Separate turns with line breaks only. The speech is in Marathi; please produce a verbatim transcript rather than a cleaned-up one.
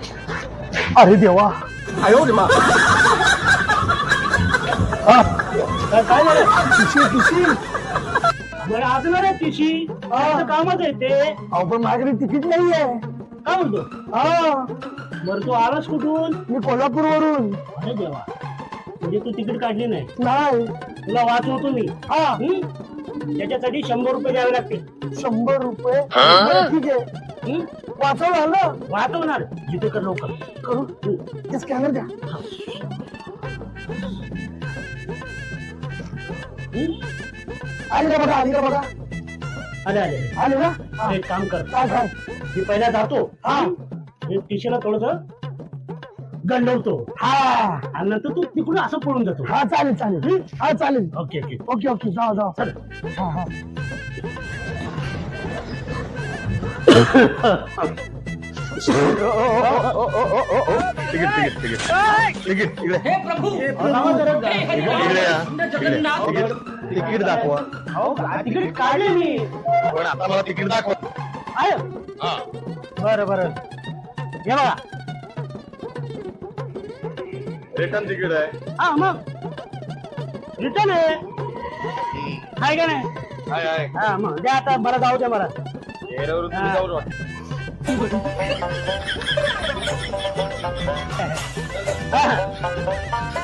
अरे देवा
आयो रे मा
काय झालं पिशी पिशी
बरं असणार आहे तिशी कामच आहे ते.
अहो पण माझ्याकडे तिकीट नाहीये.
काय म्हणतो?
हा
बरं तू आलास कुठून?
मी कोल्हापूर वरून.
अरे देवा, म्हणजे तू तिकीट काढली नाही.
नाही
तुला वाचवतो मी.
हा
हं? त्याच्यासाठी शंभर रुपये द्यावे लागतील.
शंभर रुपये बरं, ठीक आहे
हं?
वाचवलं आलं
वाचवणार जिथे कर लवकर.
करू ते स्कॅनर द्या.
हं?
आली का बघा आली का बघा
अरे अरे
आली ना हा.
एक काम कर,
काय काय
मी पहिला जातो.
हा
टिशीला थोडस गंडवतो
हा
आणि नंतर तू तिकडून असं पळून जातो.
हा चालेल चालेल हा चालेल
ओके ओके.
ओके ओके जाओ जाओ हा हा
तिकीट तिकीट तिकीट तिकीट इकडे
हे प्रभु
इकडे या तिकीट तिकीट दाखवा.
तिकीट काढले मी.
पण आता मला तिकीट दाखवा.
आहे
हा
बरं बरं हे बघा.
रिटर्न तिकीट आहे.
हा मग रिटर्न आहे आहे का नाही?
हाय हाय
हा मग द्या आता. बरं जाऊ द्या मला.
चेहऱ्यावरून तुम्ही जाऊन वाटतं.
हा.